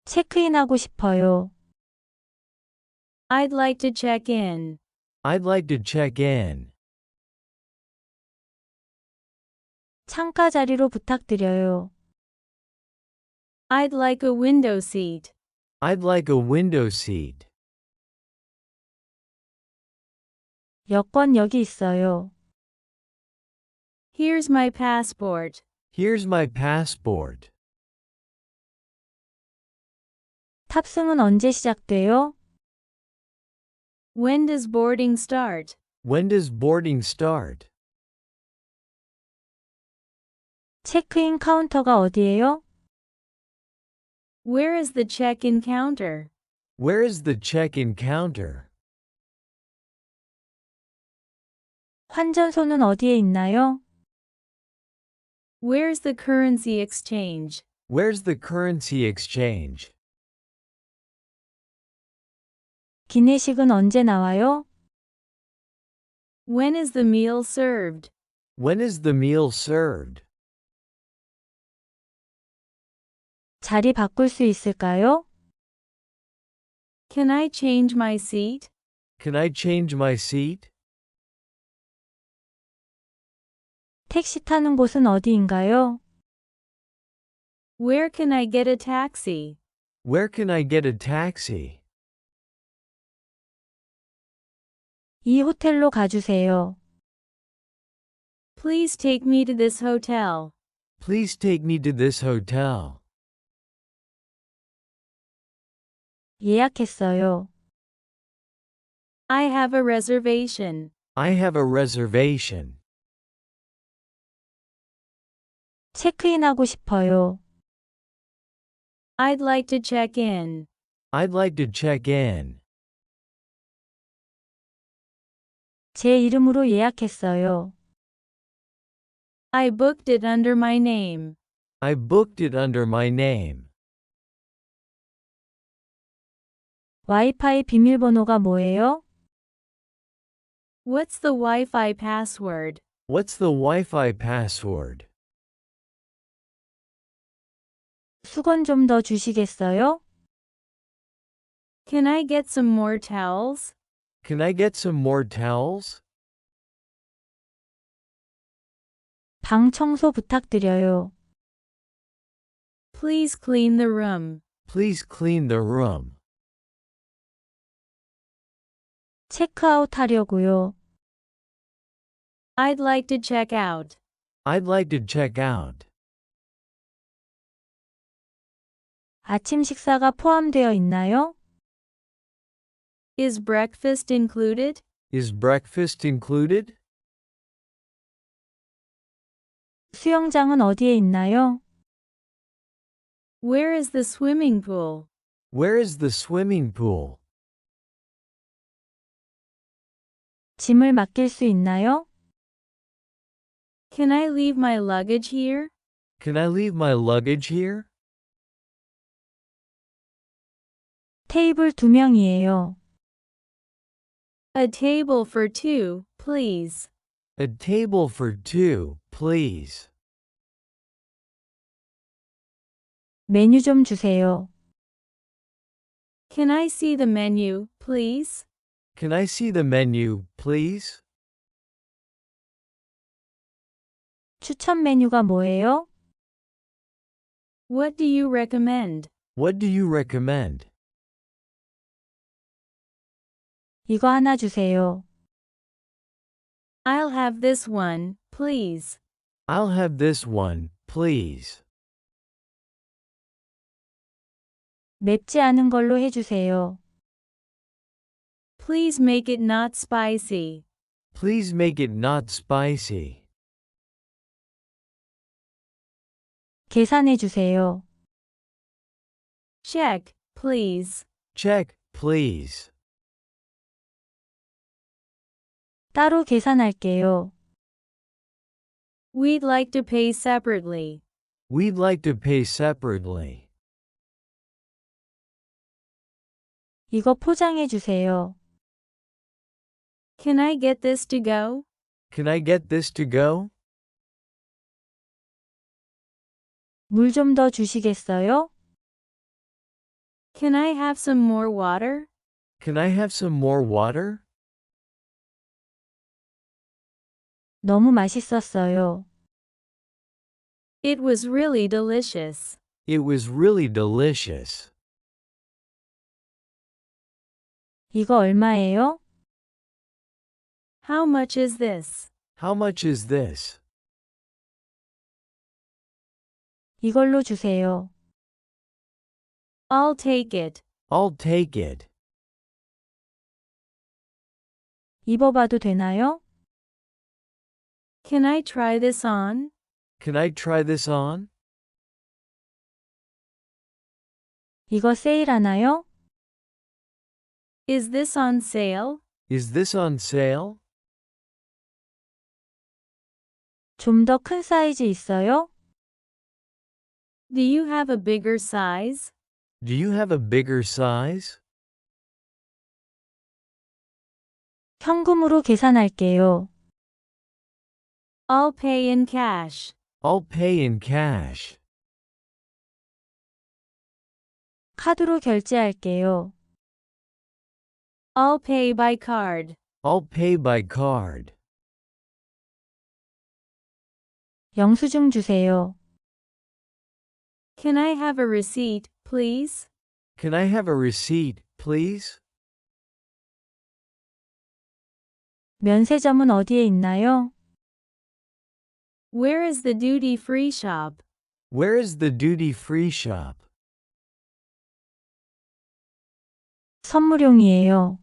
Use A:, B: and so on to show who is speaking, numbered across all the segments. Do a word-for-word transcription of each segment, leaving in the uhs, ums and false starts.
A: 체크인하고 싶어요.
B: I'd like to check in.
C: I'd like to check in.
A: 창가 자리로 부탁드려요.
B: I'd like a window seat.
C: I'd like a window seat.
A: 여권 여기 있어요.
B: Here's my passport.
C: Here's my passport.
A: 탑승은 언제 시작돼요?
B: When does boarding start?
C: When does boarding start?
A: 체크인 카운터가 어디예요?
B: Where is the check-in counter?
C: Where is the check-in counter?
A: 환전소는 어디에 있나요?
B: Where's the currency exchange?
C: Where's the currency exchange?
A: 기내식은 언제 나와요?
B: When is the meal served?
C: When is the meal served?
A: 자리 바꿀 수 있을까요?
B: Can I change my seat?
C: Can I change my seat?
A: 택시 타는 곳은 어디인가요?
B: Where can I get a taxi?
C: Where can I get a taxi?
A: 이 호텔로 가주세요.
B: Please take me to this hotel.
C: Please take me to this hotel.
A: 예약했어요.
B: I have a reservation.
C: I have a reservation.
A: 체크인하고 싶어요.
B: I'd like to check in.
C: I'd like to check in.
A: 제 이름으로 예약했어요.
B: I booked it under my name.
C: I booked it under my name.
A: 와이파이 비밀번호가 뭐예요?
B: What's the Wi-Fi password?
C: What's the Wi-Fi password?
A: 수건 좀 더 주시겠어요?
B: Can I get some more towels?
C: Can I get some more towels?
A: 방 청소 부탁드려요.
B: Please clean the room.
C: Please clean the room.
A: 체크아웃 하려고요.
B: I'd like to check out.
C: I'd like to check out.
A: 아침 식사가 포함되어 있나요?
B: Is breakfast included?
C: Is breakfast included?
A: 수영장은 어디에 있나요?
B: Where is the swimming pool?
C: Where is the swimming pool?
A: 짐을 맡길 수 있나요?
B: Can I leave my luggage here?
C: Can I leave my luggage here?
A: 테이블 두 명이에요.
B: A table for two, please.
C: A table for two, please.
A: 메뉴 좀 주세요.
B: Can I see the menu, please?
C: Can I see the menu, please?
A: 추천 메뉴가 뭐예요?
B: What do you recommend?
C: What do you recommend?
A: 이거 하나 주세요.
B: I'll have this one, please.
C: I'll have this one, please.
A: 맵지 않은 걸로 해주세요.
B: Please make it not spicy.
C: Please make it not spicy.
A: 계산해 주세요.
B: Check, please.
C: Check, please.
A: 따로 계산할게요.
B: We'd like to pay separately.
C: We'd like to pay separately.
A: 이거 포장해 주세요.
B: Can I get this to go?
C: Can I get this to go?
A: 물 좀 더 주시겠어요?
B: Can I have some more water?
C: Can I have some more water?
A: 너무 맛있었어요.
B: It was really delicious.
C: It was really delicious.
A: 이거 얼마예요?
B: How much is this?
C: How much is this?
A: 이걸로 주세요.
B: I'll take it.
C: I'll take it.
A: 입어봐도 되나요?
B: Can I try this on?
C: Can I try this on?
A: 이거 세일하나요?
B: Is this on sale?
C: Is this on sale?
A: 좀 더 큰 사이즈 있어요?
B: Do you have a bigger size?
C: Do you have a bigger size?
A: 현금으로 계산할게요.
B: I'll pay in cash.
C: I'll pay in cash.
A: 카드로 결제할게요.
B: I'll pay by card.
C: I'll pay by card.
A: 영수증 주세요.
B: Can I have a receipt, please?
C: Can I have a receipt, please?
A: 면세점은 어디에 있나요?
B: Where is the duty-free shop?
C: Where is the duty-free shop?
A: 선물용이에요.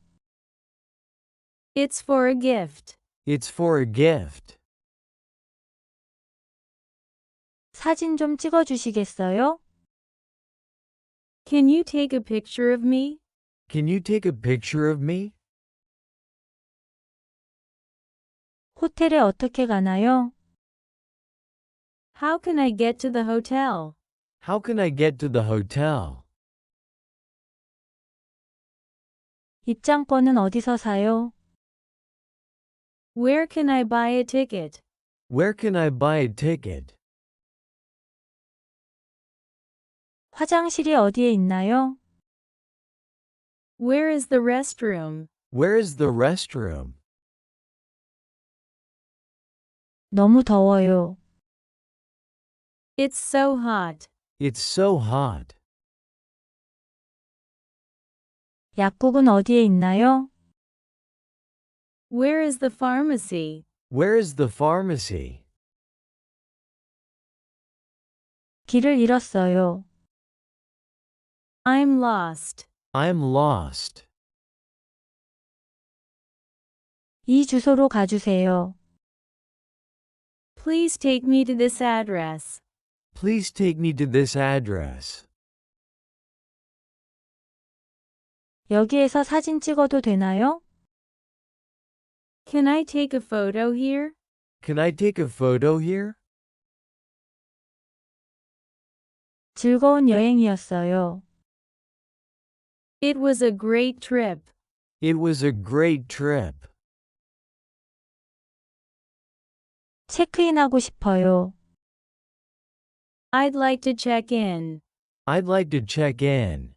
B: It's for a gift.
C: It's for a gift.
A: 사진 좀 찍어주시겠어요?
B: Can you take a picture of me?
C: Can you take a picture of me?
A: 호텔에 어떻게 가나요?
B: How can I get to the hotel?
C: How can I get to the hotel?
A: 입장권은 어디서 사요?
B: Where can I buy a ticket?
C: Where can I buy a ticket?
A: 화장실이 어디에 있나요?
B: Where is the restroom?
C: Where is the restroom?
A: 너무 더워요.
B: It's so hot.
C: It's so hot.
A: 약국은 어디에 있나요?
B: Where is the pharmacy?
C: Where is the pharmacy?
A: 길을 잃었어요.
B: I'm lost.
C: I'm lost.
A: 이 주소로 가주세요.
B: Please take me to this address.
C: Please take me to this address.
A: 여기에서 사진 찍어도 되나요?
B: Can I take a photo here?
C: Can I take a photo here?
A: 즐거운 여행이었어요.
B: It was a great trip.
C: It was a great trip.
A: 체크인하고 싶어요.
B: I'd like to check in.
C: I'd like to check in.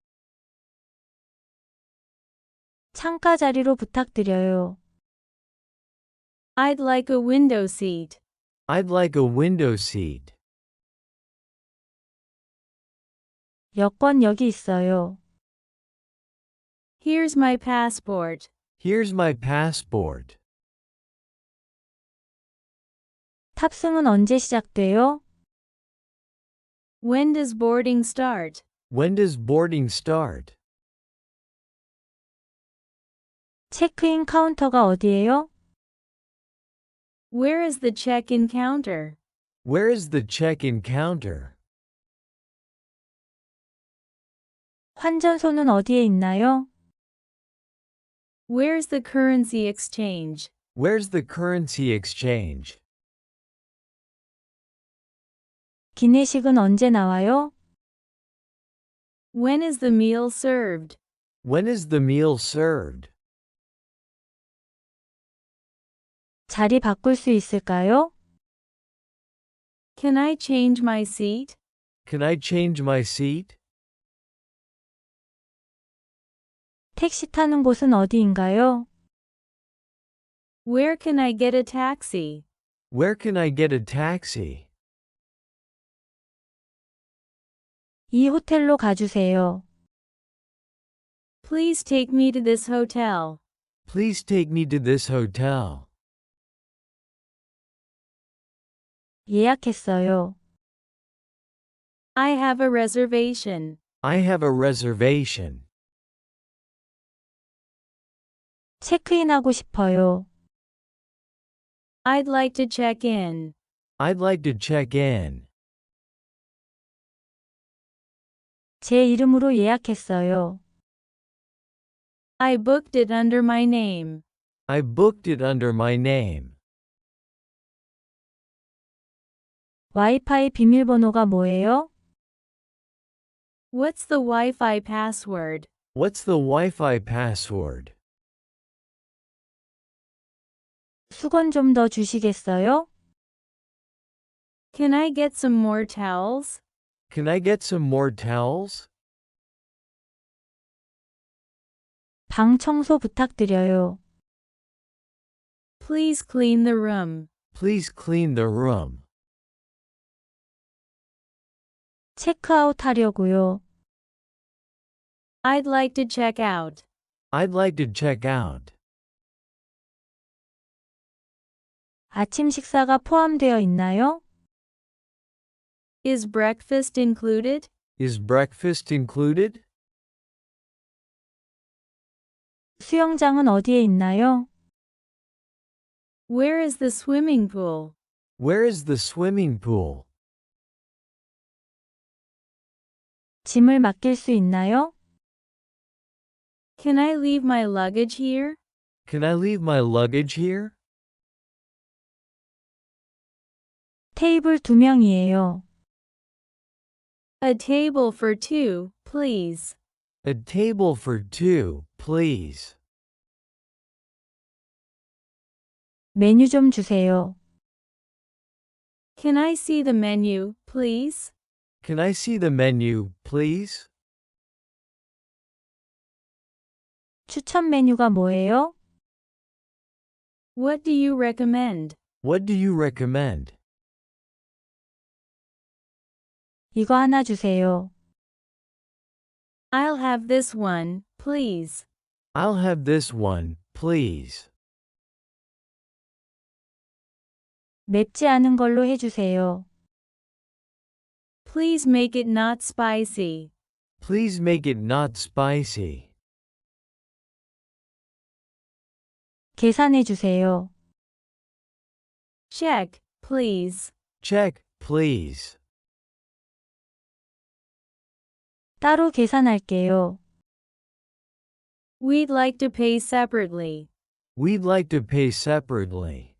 A: 창가 자리로 부탁드려요.
B: I'd like a window seat.
C: I'd like a window seat.
A: 여권 여기 있어요.
B: Here's my passport.
C: Here's my passport.
A: 탑승은 언제 시작돼요?
B: When does boarding start?
C: When does boarding start?
A: 체크인 카운터가 어디예요?
B: Where is the check-in counter?
C: Where is the check-in counter?
A: 환전소는 어디에 있나요?
B: Where's the currency exchange?
C: Where's the currency exchange?
A: 기내식은 언제 나와요?
B: When is the meal served?
C: When is the meal served?
A: 자리 바꿀 수 있을까요?
B: Can I change my seat?
C: Can I change my seat?
A: 택시 타는 곳은 어디인가요?
B: Where can I get a taxi?
C: Where can I get a taxi?
A: 이 호텔로 가주세요.
B: Please take me to this hotel.
C: Please take me to this hotel.
A: 예약했어요.
B: I have a reservation.
C: I have a reservation.
A: 체크인하고 싶어요.
B: I'd like to check in.
C: I'd like to check in.
A: 제 이름으로 예약했어요.
B: I booked it under my name.
C: I booked it under my name.
A: 와이파이 비밀번호가 뭐예요?
B: What's the Wi-Fi password?
C: What's the Wi-Fi password?
A: 수건 좀 더 주시겠어요?
B: Can I get some more towels?
C: Can I get some more towels?
A: 방 청소 부탁드려요.
B: Please clean the room.
C: Please clean the room.
A: 체크아웃 하려고요.
B: I'd like to check out.
C: I'd like to check out.
A: 아침 식사가 포함되어 있나요?
B: Is breakfast included?
C: Is breakfast included?
A: 수영장은 어디에 있나요?
B: Where is the swimming pool?
C: Where is the swimming pool?
A: 짐을 맡길 수 있나요?
B: Can I leave my luggage here?
C: Can I leave my luggage here?
A: 테이블 두 명이에요.
B: A table for two, please.
C: A table for two, please.
A: 메뉴 좀 주세요.
B: Can I see the menu, please?
C: Can I see the menu, please?
A: 추천 메뉴가 뭐예요?
B: What do you recommend?
C: What do you recommend?
A: 이거 하나 주세요.
B: I'll have this one, please.
C: I'll have this one, please.
A: 맵지 않은 걸로 해주세요.
B: Please make it not spicy.
C: Please make it not spicy.
A: 계산해 주세요.
B: Check, please.
C: Check, please.
A: 따로 계산할게요.
B: We'd like to pay separately.
C: We'd like to pay separately.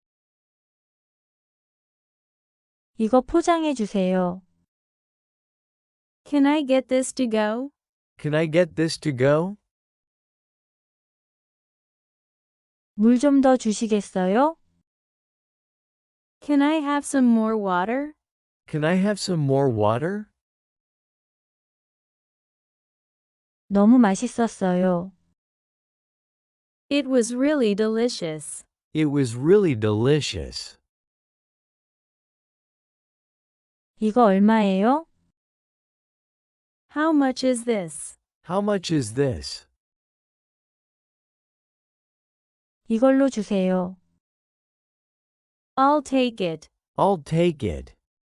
A: 이거 포장해 주세요.
B: Can I get this to go?
C: Can I get this to go?
A: 물 좀 더 주시겠어요?
B: Can I have some more water?
C: Can I have some more water?
A: 너무 맛있었어요.
B: It was really delicious.
C: It was really delicious.
A: 이거 얼마예요?
B: How much is this?
C: How much is this?
A: 이걸로 주세요.
B: I'll take it.
C: I'll take it.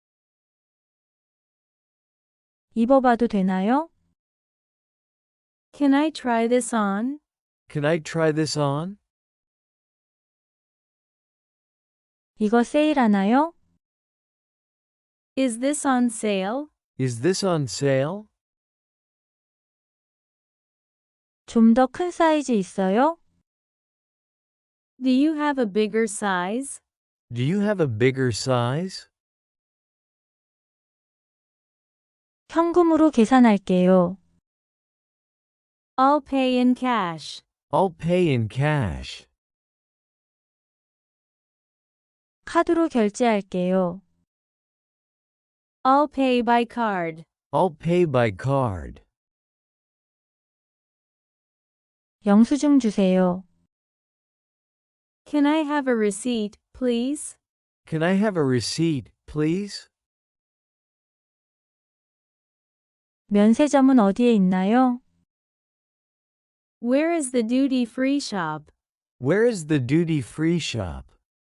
A: 입어봐도 되나요?
B: Can I try this on?
C: Can I try this on?
A: 이거 세일하나요?
B: Is this on sale?
C: Is this on sale?
A: 좀 더 큰 사이즈 있어요?
B: Do you have a bigger size?
C: Do you have a bigger size?
A: 현금으로 계산할게요.
B: I'll pay in cash.
C: I'll pay in cash.
A: 카드로 결제할게요.
B: I'll pay by card.
C: I'll pay by card.
A: 영수증 주세요.
B: Can I have a receipt, please?
C: Can I have a receipt, please?
A: 면세점은 어디에 있나요?
B: Where is the duty-free shop?
C: Where is the duty-free shop?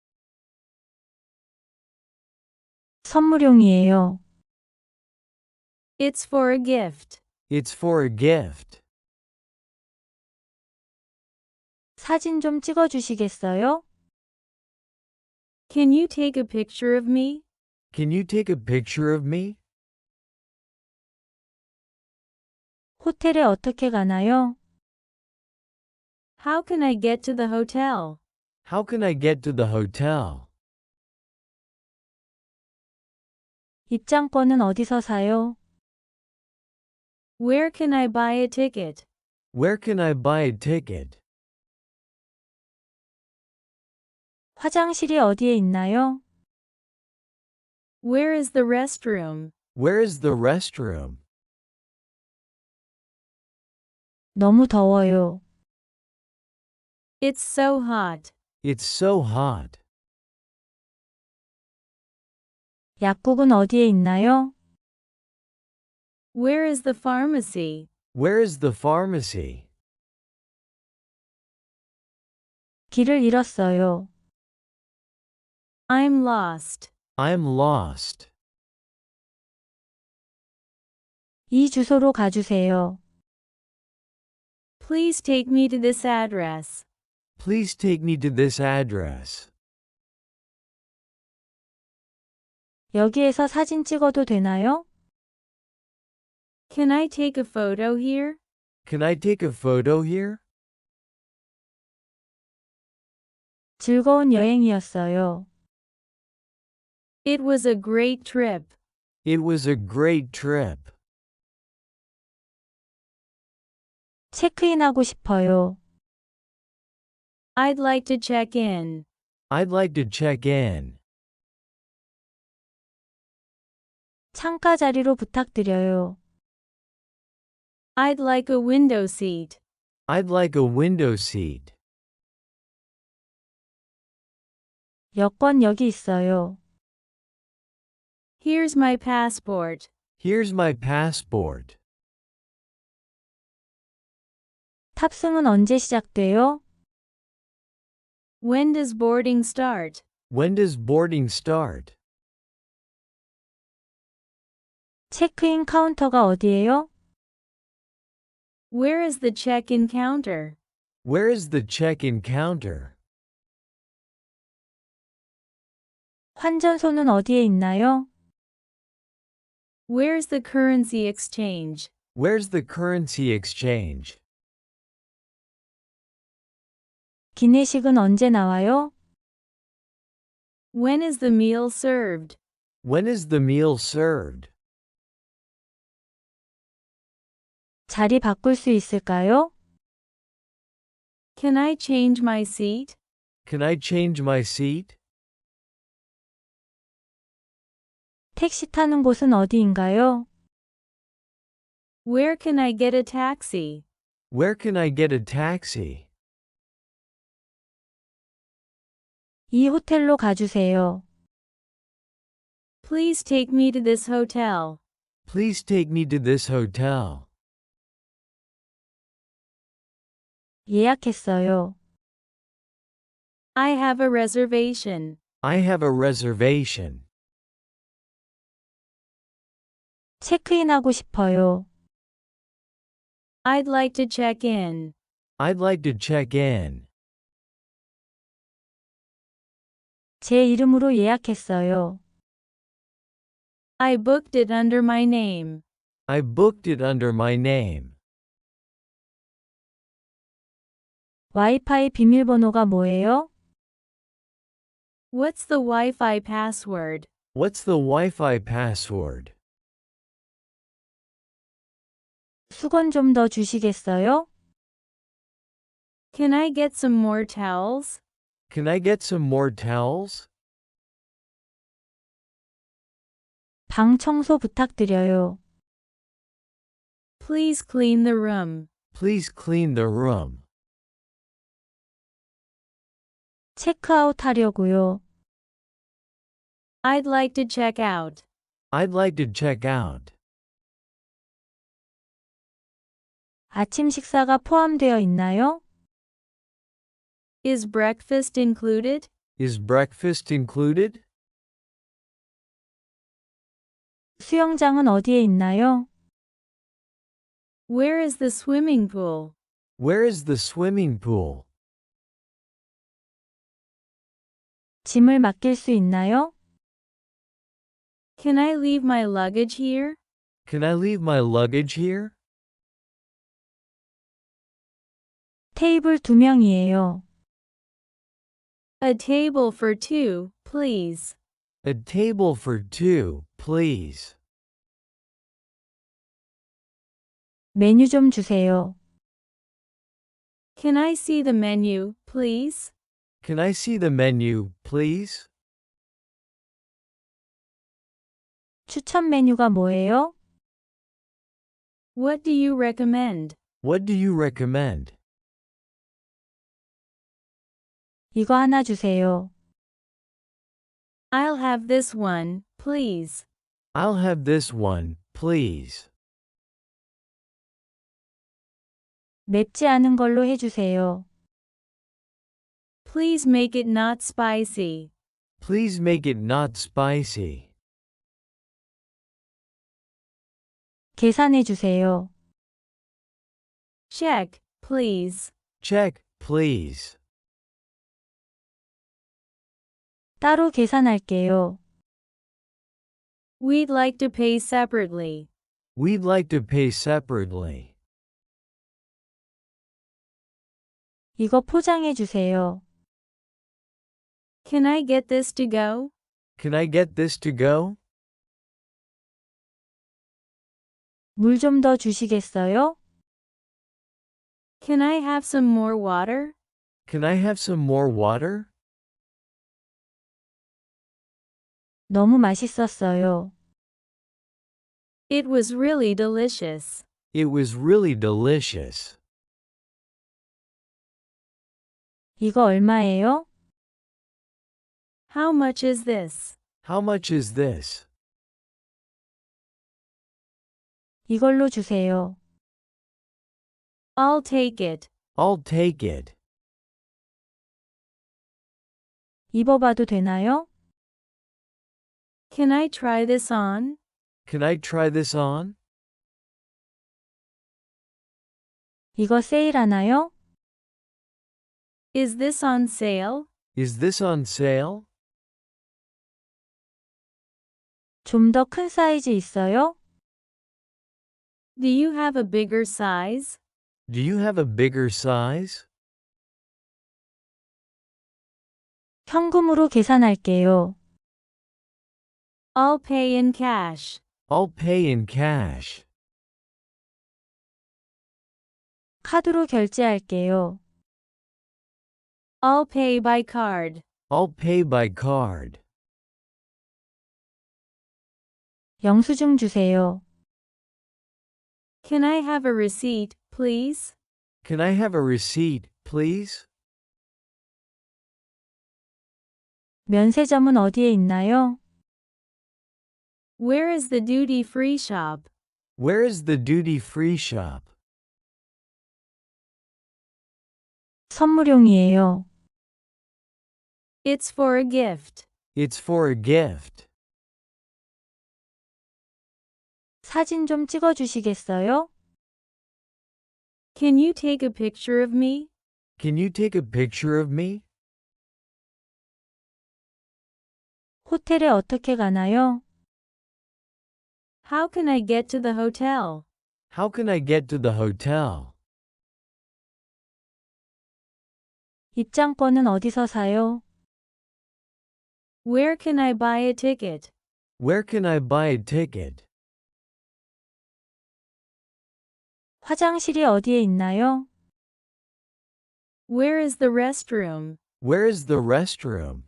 A: 선물용이에요.
B: It's for a gift.
C: It's for a gift.
A: 사진 좀 찍어 주시겠어요?
B: Can you take a picture of me?
C: Can you take a picture of me?
A: 호텔에 어떻게 가나요?
B: How can I get to the hotel?
C: How can I get to the hotel?
A: 입장권은 어디서 사요?
B: Where can I buy a ticket?
C: Where can I buy a ticket?
A: 화장실이 어디에 있나요?
B: Where is the restroom?
C: Where is the restroom?
A: 너무 더워요.
B: It's so hot.
C: It's so hot.
A: 약국은 어디에 있나요?
B: Where is the pharmacy?
C: Where is the pharmacy?
A: 길을 잃었어요.
B: I'm lost.
C: I'm lost.
A: 이 주소로 가주세요.
B: Please take me to this address.
C: Please take me to this address.
A: 여기에서 사진 찍어도 되나요?
B: Can I take a photo here?
C: Can I take a photo here?
A: 즐거운 여행이었어요.
B: It was a great trip.
C: It was a great trip.
A: 체크인하고 싶어요.
B: I'd like to check in.
C: I'd like to check in.
A: 창가 자리로 부탁드려요.
B: I'd like a window seat.
C: I'd like a window seat.
A: 여권 여기 있어요.
B: Here's my passport.
C: Here's my passport.
A: 탑승은 언제 시작돼요?
B: When does boarding start?
C: When does boarding start?
A: 체크인 카운터가 어디예요?
B: Where is the check-in counter?
C: Where is the check-in counter?
A: 환전소는 어디에 있나요?
B: Where's the currency exchange?
C: Where's the currency exchange?
A: 기내식은 언제 나와요?
B: When is the meal served?
C: When is the meal served?
A: 자리 바꿀 수 있을까요?
B: Can I change my seat?
C: Can I change my seat?
A: 택시 타는 곳은 어디인가요?
B: Where can I get a taxi?
C: Where can I get a taxi?
A: 이 호텔로 가주세요.
B: Please take me to this hotel.
C: Please take me to this hotel.
A: 예약했어요.
B: I have a reservation.
C: I have a reservation.
A: 체크인하고 싶어요.
B: I'd like to check in.
C: I'd like to check in.
A: 제 이름으로 예약했어요.
B: I booked it under my name.
C: I booked it under my name.
A: 와이파이 비밀번호가 뭐예요?
B: What's the Wi-Fi password?
C: What's the Wi-Fi password?
A: 수건 좀 더 주시겠어요?
B: Can I get some more towels?
C: Can I get some more towels?
A: 방 청소 부탁드려요.
B: Please clean the room.
C: Please clean the room.
A: 체크아웃 하려고요.
B: I'd like to check out.
C: I'd like to check out.
A: 아침 식사가 포함되어 있나요?
B: Is breakfast included?
C: Is breakfast included?
A: 수영장은 어디에 있나요?
B: Where is the swimming pool?
C: Where is the swimming pool?
A: 짐을 맡길 수 있나요?
B: Can I leave my luggage here?
C: Can I leave my luggage here?
A: 테이블 두 명이에요.
B: A table for two, please.
C: A table for two, please.
A: 메뉴 좀 주세요.
B: Can I see the menu, please?
C: Can I see the menu, please?
A: 추천 메뉴가 뭐예요?
B: What do you recommend?
C: What do you recommend?
A: 이거 하나 주세요.
B: I'll have this one, please.
C: I'll have this one, please.
A: 맵지 않은 걸로 해주세요.
B: Please make it not spicy.
C: Please make it not spicy.
A: 계산해 주세요.
B: Check, please.
C: Check, please.
A: 따로 계산할게요.
B: We'd like to pay separately.
C: We'd like to pay separately.
A: 이거 포장해 주세요.
B: Can I get this to go?
C: Can I get this to go?
A: 물 좀 더 주시겠어요?
B: Can I have some more water?
C: Can I have some more water?
A: 너무 맛있었어요.
B: It was really delicious.
C: It was really delicious.
A: 이거 얼마예요?
B: How much is this?
C: How much is this?
A: 이걸로 주세요.
B: I'll take it.
C: I'll take it.
A: 입어봐도 되나요?
B: Can I try this on?
C: Can I try this on?
A: 이거 세일하나요?
B: Is this on sale?
C: Is this on sale?
A: 좀 더 큰 사이즈 있어요?
B: Do you have a bigger size?
C: Do you have a bigger size?
A: 현금으로 계산할게요.
B: I'll pay in cash.
C: I'll pay in cash.
A: 카드로 결제할게요.
B: I'll pay by card.
C: I'll pay by card.
A: 영수증 주세요.
B: Can I have a receipt, please?
C: Can I have a receipt, please?
A: 면세점은 어디에 있나요?
B: Where is the duty-free shop?
C: Where is the duty-free shop?
A: 선물용이에요.
B: It's for a gift.
C: It's for a gift.
A: 사진 좀 찍어 주시겠어요?
B: Can you take a picture of me?
C: Can you take a picture of me?
A: 호텔에 어떻게 가나요?
B: How can I get to the hotel?
C: How can I get to the hotel?
A: 입장권은 어디서 사요?
B: Where can I buy a ticket?
C: Where can I buy a ticket?
A: 화장실이 어디에 있나요?
B: Where is the restroom?
C: Where is the restroom?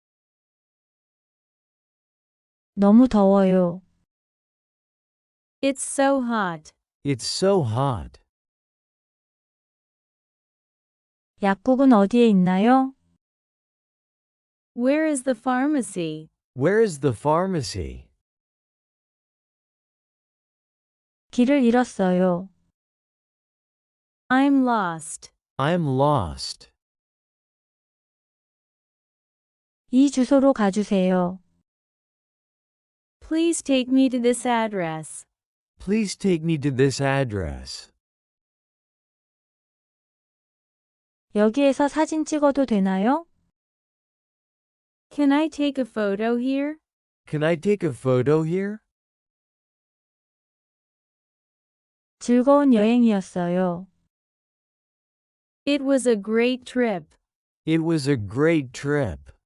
A: 너무 더워요.
B: It's so hot.
C: It's so hot.
A: 약국은 어디에 있나요?
B: Where is the pharmacy?
C: Where is the pharmacy?
A: 길을 잃었어요.
B: I'm lost.
C: I'm lost.
A: 이 주소로 가주세요.
B: Please take me to this address.
C: Please take me to this address.
A: 여기에서 사진 찍어도 되나요?
B: Can I take a photo here?
C: Can I take a photo here?
A: 즐거운 여행이었어요.
B: It was a great trip.
C: It was a great trip.